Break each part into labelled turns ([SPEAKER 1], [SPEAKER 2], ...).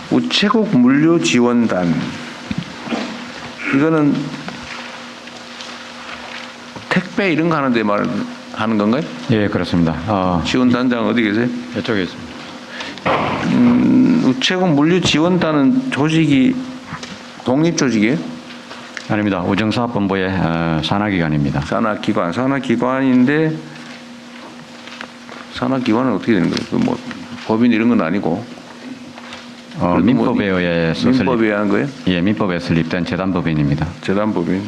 [SPEAKER 1] 우체국 물류 지원단. 이거는 택배 이런 거 하는데 말하는 건가요?
[SPEAKER 2] 예, 그렇습니다.
[SPEAKER 1] 지원단장 어디 계세요?
[SPEAKER 2] 이쪽에 있습니다.
[SPEAKER 1] 우체국 물류 지원단은 조직이 독립 조직이에요?
[SPEAKER 2] 아닙니다. 우정사업본부의 산하기관입니다.
[SPEAKER 1] 산하기관인데 산하기관은 어떻게 되는 거예요? 뭐 법인 이런 건 아니고.
[SPEAKER 2] 민법에 의해서
[SPEAKER 1] 민법에 의한 거예요?
[SPEAKER 2] 예, 민법에 설립된 재단법인입니다.
[SPEAKER 1] 재단법인.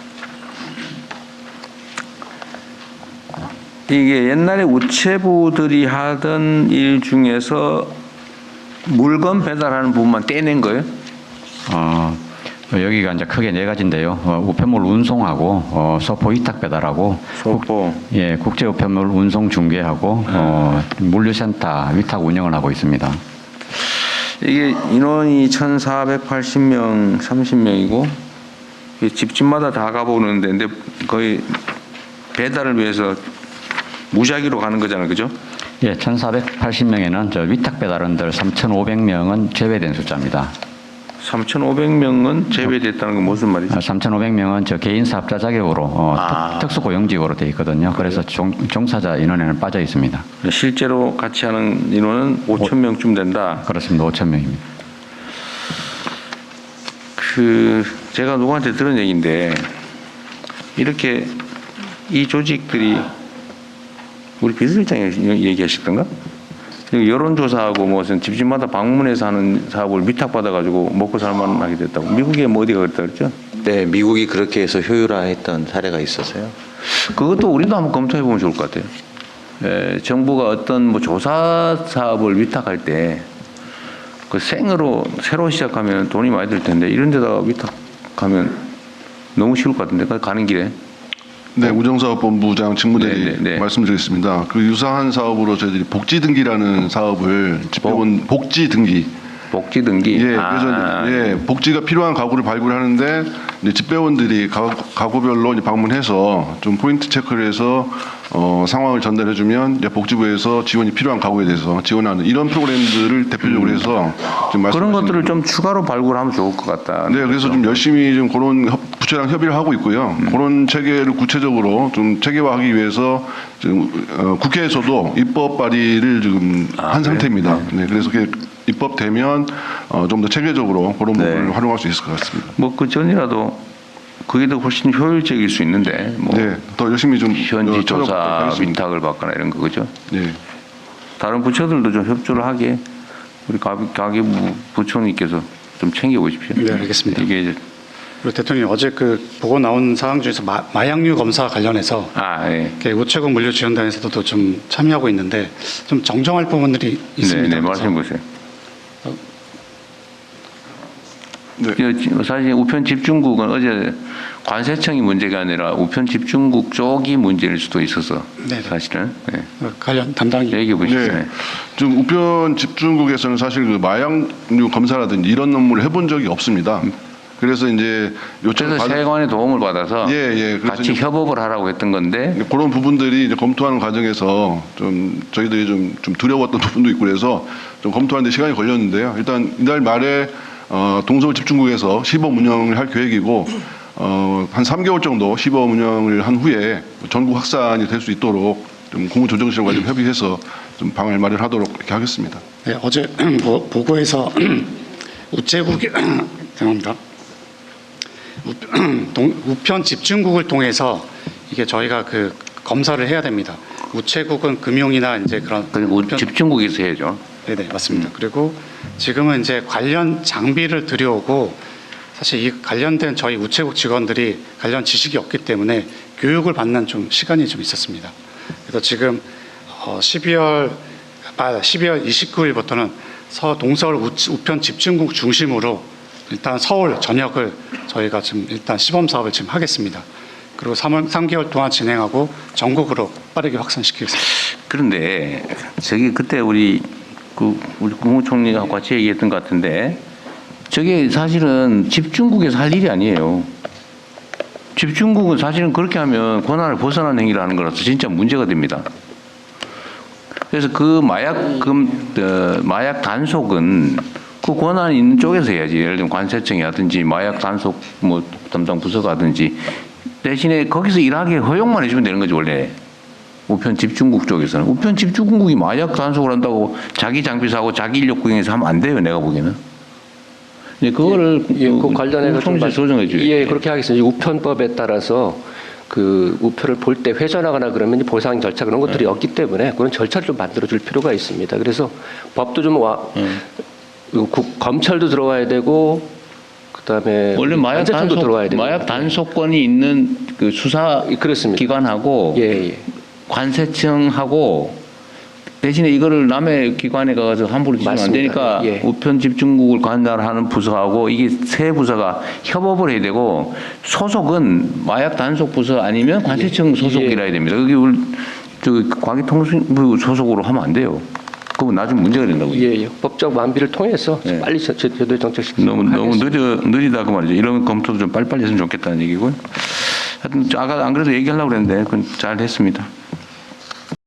[SPEAKER 1] 이게 옛날에 우체부들이 하던 일 중에서 물건 배달하는 부분만 떼낸 거예요?
[SPEAKER 2] 여기가 이제 크게 네 가지인데요. 우편물 운송하고 서포 위탁 배달하고 국제 우편물 운송 중개하고 물류센터 위탁 운영을 하고 있습니다.
[SPEAKER 1] 이게 인원이 1,480명, 30명이고 집집마다 다 가보는 데인데 거의 배달을 위해서 무작위로 가는 거잖아요, 그죠?
[SPEAKER 2] 예, 1,480명에는 저 위탁 배달원들 3,500명은 제외된 숫자입니다.
[SPEAKER 1] 3,500명은 제외됐다는 건 무슨 말이죠?
[SPEAKER 2] 3,500명은 저 개인 사업자 자격으로 특수고용직으로 되어 있거든요. 그래서 종사자 인원에는 빠져 있습니다.
[SPEAKER 1] 실제로 같이 하는 인원은 5,000명쯤 된다.
[SPEAKER 2] 그렇습니다. 5,000명입니다.
[SPEAKER 1] 제가 누구한테 들은 얘기인데 이렇게 이 조직들이 우리 비서실장이 얘기하셨던가? 여론조사하고 무슨 집집마다 방문해서 하는 사업을 위탁받아가지고 먹고 살만하게 됐다고. 미국에 뭐 어디가 그랬다 그랬죠?
[SPEAKER 3] 네, 미국이 그렇게 해서 효율화했던 사례가 있었어요.
[SPEAKER 1] 그것도 우리도 한번 검토해보면 좋을 것 같아요. 정부가 어떤 뭐 조사 사업을 위탁할 때 그 생으로 새로 시작하면 돈이 많이 들 텐데 이런 데다가 위탁하면 너무 쉬울 것 같은데 가는 길에.
[SPEAKER 4] 네, 우정사업본부장 직무대리
[SPEAKER 1] 네.
[SPEAKER 4] 말씀드리겠습니다. 그 유사한 사업으로 저희들이 복지등기라는 사업을 집배원 복지등기.
[SPEAKER 1] 복지등기.
[SPEAKER 4] 예, 그래서 복지가 필요한 가구를 발굴하는데 이제 집배원들이 가구별로 이제 방문해서 좀 포인트 체크를 해서 상황을 전달해주면 이제 복지부에서 지원이 필요한 가구에 대해서 지원하는 이런 프로그램들을 대표적으로 해서 좀
[SPEAKER 1] 그런 것들을 좀 추가로 발굴하면 좋을 것 같다.
[SPEAKER 4] 네, 그래서 좀 열심히 좀 그런 부처랑 협의를 하고 있고요. 그런 체계를 구체적으로 좀 체계화하기 위해서 지금 국회에서도 입법 발의를 지금 한 상태입니다. 네, 그래서 입법되면 좀 더 체계적으로 그런 부분을 활용할 수 있을 것 같습니다.
[SPEAKER 1] 뭐 그 전이라도 그게 더 훨씬 효율적일 수 있는데 뭐
[SPEAKER 4] 네, 더 열심히 좀
[SPEAKER 1] 현지 조사 위탁을 받거나 이런 거 그죠?
[SPEAKER 4] 네.
[SPEAKER 1] 다른 부처들도 좀 협조를 하게 우리 가계부 부총리께서 좀 챙겨보십시오.
[SPEAKER 5] 네, 알겠습니다.
[SPEAKER 1] 이게 이제
[SPEAKER 5] 그리고 대통령님 어제 그 보고 나온 사항 중에서 마약류 검사 관련해서
[SPEAKER 1] 예.
[SPEAKER 5] 우체국 물류지원단에서도 좀 참여하고 있는데 좀 정정할 부분들이 있습니다.
[SPEAKER 1] 네, 말씀 보세요.
[SPEAKER 4] 네.
[SPEAKER 1] 사실 우편 집중국은 어제 관세청이 문제가 아니라 우편 집중국 쪽이 문제일 수도 있어서
[SPEAKER 5] 네.
[SPEAKER 1] 사실은
[SPEAKER 5] 관련 담당이
[SPEAKER 1] 얘기해 보시죠.
[SPEAKER 4] 네. 지금 우편 집중국에서는 사실 그 마약류 검사라든지 이런 업무를 해본 적이 없습니다. 그래서 이제
[SPEAKER 1] 그래서 세관의 도움을 받아서
[SPEAKER 4] 그래서
[SPEAKER 1] 같이 협업을 하라고 했던 건데
[SPEAKER 4] 그런 부분들이 이제 검토하는 과정에서 좀 저희들이 좀 두려웠던 부분도 있고 그래서 좀 검토하는데 시간이 걸렸는데요. 일단 이달 말에 동서울 집중국에서 시범 운영을 할 계획이고 한 3개월 정도 시범 운영을 한 후에 전국 확산이 될 수 있도록 좀 공무조정실과 좀 협의해서 좀 방을 마련하도록 이렇게 하겠습니다.
[SPEAKER 5] 네, 어제 보고에서 우체국이 죄송합니다. 우편 집중국을 통해서 이게 저희가 그 검사를 해야 됩니다. 우체국은 금융이나 이제 그런
[SPEAKER 1] 그리고 집중국에서 해야죠.
[SPEAKER 5] 네네 맞습니다. 그리고 지금은 이제 관련 장비를 들여오고 사실 이 관련된 저희 우체국 직원들이 관련 지식이 없기 때문에 교육을 받는 좀 시간이 좀 있었습니다. 그래서 지금 12월 29일부터는 동서울 우편 집중국 중심으로 일단 서울 전역을 저희가 지금 일단 시범 사업을 지금 하겠습니다. 그리고 3개월 동안 진행하고 전국으로 빠르게 확산시키겠습니다.
[SPEAKER 1] 그런데 저기 그때 우리 국무총리하고 같이 얘기했던 것 같은데 저게 사실은 집중국에서 할 일이 아니에요. 집중국은 사실은 그렇게 하면 권한을 벗어난 행위를 하는 거라서 진짜 문제가 됩니다. 그래서 그 마약 단속은 그 권한이 있는 쪽에서 해야지. 예를 들면 관세청이라든지 마약 단속 뭐 담당 부서가든지 대신에 거기서 일하게 허용만 해주면 되는 거지 원래. 우편 집중국 쪽에서는 우편 집중국이 마약 단속을 한다고 자기 장비 사고 자기 인력 구형해서 하면 안 돼요. 내가 보기에는. 근데 그거를
[SPEAKER 6] 그 관련해서
[SPEAKER 1] 총재 조정해 줘요.
[SPEAKER 6] 예, 그렇게 하겠습니다. 이 우편법에 따라서 그 우표를 볼 때 회전하거나 그러면 보상 절차 그런 것들이 없기 때문에 그런 절차를 좀 만들어 줄 필요가 있습니다. 그래서 법도 좀 검찰도 들어와야 되고 그다음에
[SPEAKER 1] 원래
[SPEAKER 6] 관세청도 들어와야 되고
[SPEAKER 1] 마약 단속권이 있는 그 수사
[SPEAKER 6] 그렇습니다.
[SPEAKER 1] 기관하고
[SPEAKER 6] 예, 예.
[SPEAKER 1] 관세청하고 대신에 이거를 남의 기관에 가서 함부로 지면 안
[SPEAKER 6] 맞습니다.
[SPEAKER 1] 되니까
[SPEAKER 6] 예.
[SPEAKER 1] 우편 집중국을 관할하는 부서하고 이게 세 부서가 협업을 해야 되고 소속은 마약 단속 부서 아니면 관세청 소속이라 해야 됩니다. 여기 우리 과기통신부 소속으로 하면 안 돼요. 그건 나중에 문제가 된다고요.
[SPEAKER 6] 예, 예. 법적 완비를 통해서
[SPEAKER 1] 예.
[SPEAKER 6] 빨리 제도에 정착시키도록
[SPEAKER 1] 너무
[SPEAKER 6] 하겠습니다.
[SPEAKER 1] 느리다 그 말이죠. 이런 검토도 좀 빨리빨리 했으면 좋겠다는 얘기고요. 하여튼 아까 안 그래도 얘기하려고 그랬는데 그건 잘 됐습니다.